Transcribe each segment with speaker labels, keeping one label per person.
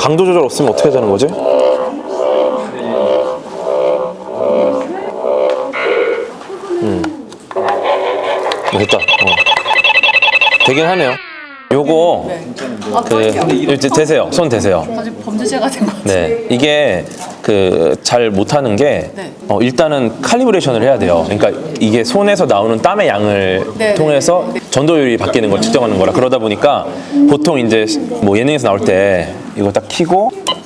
Speaker 1: 강도 조절 없으면 어떻게 되는 거지? 됐다. 되긴 하네요. 요거 이제 대세요. 손 대세요.
Speaker 2: 아직 범죄자가 된 것 같아요.
Speaker 1: 네, 이게 잘 못하는 게
Speaker 2: 네.
Speaker 1: 일단은 칼리브레이션을 해야 돼요. 그러니까 이게 손에서 나오는 땀의 양을
Speaker 2: 네,
Speaker 1: 통해서 전도율이 바뀌는 걸 측정하는 거라. 그러다 보니까 보통 이제 뭐 예능에서 나올 때 이거 딱 키고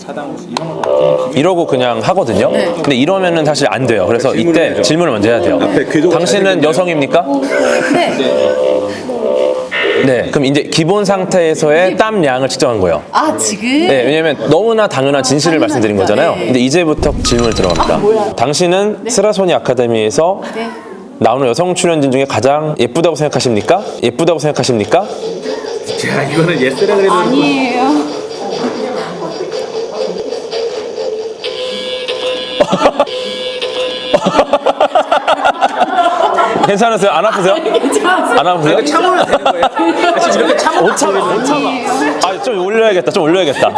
Speaker 1: 이러고 그냥 하거든요. 근데 이러면은 사실 안 돼요. 그래서 이때 질문을 먼저 해야 돼요. 당신은 여성입니까?
Speaker 2: 네.
Speaker 1: 네. 그럼 이제 기본 상태에서의 땀 양을 측정한 거예요.
Speaker 2: 아, 지금?
Speaker 1: 네, 왜냐면 너무나 당연한 진실을 말씀드린 거잖아요.
Speaker 2: 네.
Speaker 1: 근데 이제부터 질문을 들어갑니다. 당신은 스라소니 아카데미에서
Speaker 2: 네.
Speaker 1: 나오는 여성 출연진 중에 가장 예쁘다고 생각하십니까? 예쁘다고 생각하십니까?
Speaker 3: 자, 이거는 예스라 그래도
Speaker 2: 아니에요.
Speaker 1: 괜찮으세요? 안 아프세요? 안 아프세요?
Speaker 3: 참으면 되는 거예요. 지금 이렇게 참으면
Speaker 1: 못 참아, 못 참아. 아, 좀 올려야겠다, 좀 올려야겠다.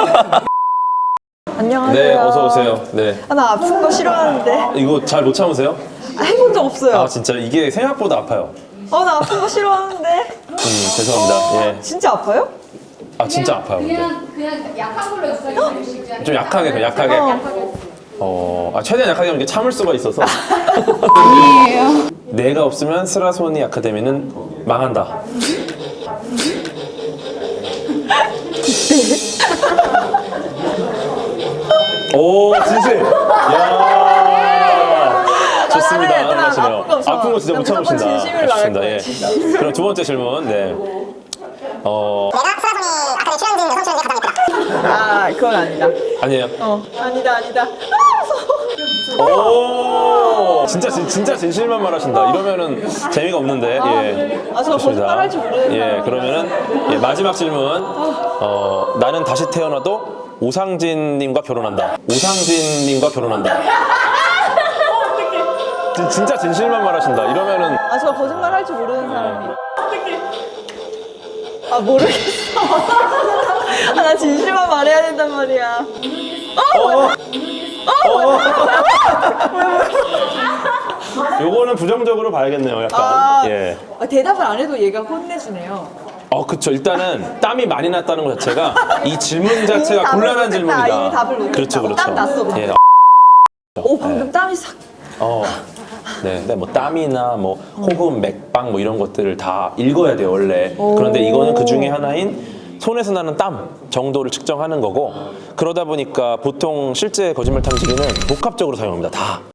Speaker 4: 안녕하세요.
Speaker 1: 네, 어서 오세요. 네.
Speaker 4: 나 아픈 거 싫어하는데.
Speaker 1: 이거 잘 못 참으세요?
Speaker 4: 해본 적 없어요.
Speaker 1: 아, 진짜 이게 생각보다 아파요.
Speaker 4: 나 아픈 거 싫어하는데.
Speaker 1: 죄송합니다. 예.
Speaker 4: 진짜 아파요?
Speaker 1: 아, 진짜 아파요. 근데.
Speaker 5: 그냥 약한 걸로 해주세요.
Speaker 1: 좀 약하게, 그냥 약하게. 최대한 약하게 하면 이게 참을 수가 있어서.
Speaker 2: 아니에요.
Speaker 1: 내가 없으면 스라소니 아카데미는 망한다. 오, 진실. 야. 좋습니다.
Speaker 4: 나는
Speaker 1: 하시네요.
Speaker 4: 아픈 거 없어.
Speaker 1: 아픈 거 진짜 못
Speaker 4: 난 무조건
Speaker 1: 참으신다.
Speaker 4: 진심을 말할
Speaker 1: 좋습니다.
Speaker 4: 거야,
Speaker 1: 예. 그럼 두 번째 질문. 네.
Speaker 6: 내가 스라소니 아카데미 출연진 여성 출연진 가장 예쁘다.
Speaker 4: 그건 아니다.
Speaker 1: 아니에요.
Speaker 4: 아니다.
Speaker 1: 오, 진짜 진실만 말하신다. 이러면은 재미가 없는데. 예.
Speaker 4: 저 거짓말할 줄 모르는
Speaker 1: 예, 그러면은 마지막 질문. 나는 다시 태어나도 오상진님과 결혼한다. 오상진님과 결혼한다. 진짜 진실만 말하신다. 이러면은
Speaker 4: 저 거짓말할 줄 모르는 사람이. 모르겠어. 나 진실만 말해야 된단 말이야.
Speaker 1: 요거는 부정적으로 봐야겠네요. 약간. 예.
Speaker 4: 대답을 안 해도 얘가 혼내주네요.
Speaker 1: 그쵸. 일단은 땀이 많이 났다는 것 자체가 이 질문 자체가
Speaker 4: 답을
Speaker 1: 곤란한
Speaker 4: 못했다.
Speaker 1: 질문이다.
Speaker 4: 이미 답을 못했다.
Speaker 1: 그렇죠, 그렇죠.
Speaker 4: 땀 났어, 근데.
Speaker 1: 예.
Speaker 4: 방금 땀이 싹.
Speaker 1: 네, 근데 뭐 땀이나 뭐 호흡, 맥박 뭐 이런 것들을 다 읽어야 돼요 원래. 그런데 이거는 그 중에 하나인 손에서 나는 땀 정도를 측정하는 거고, 그러다 보니까 보통 실제 거짓말 탐지기는 복합적으로 사용합니다. 다.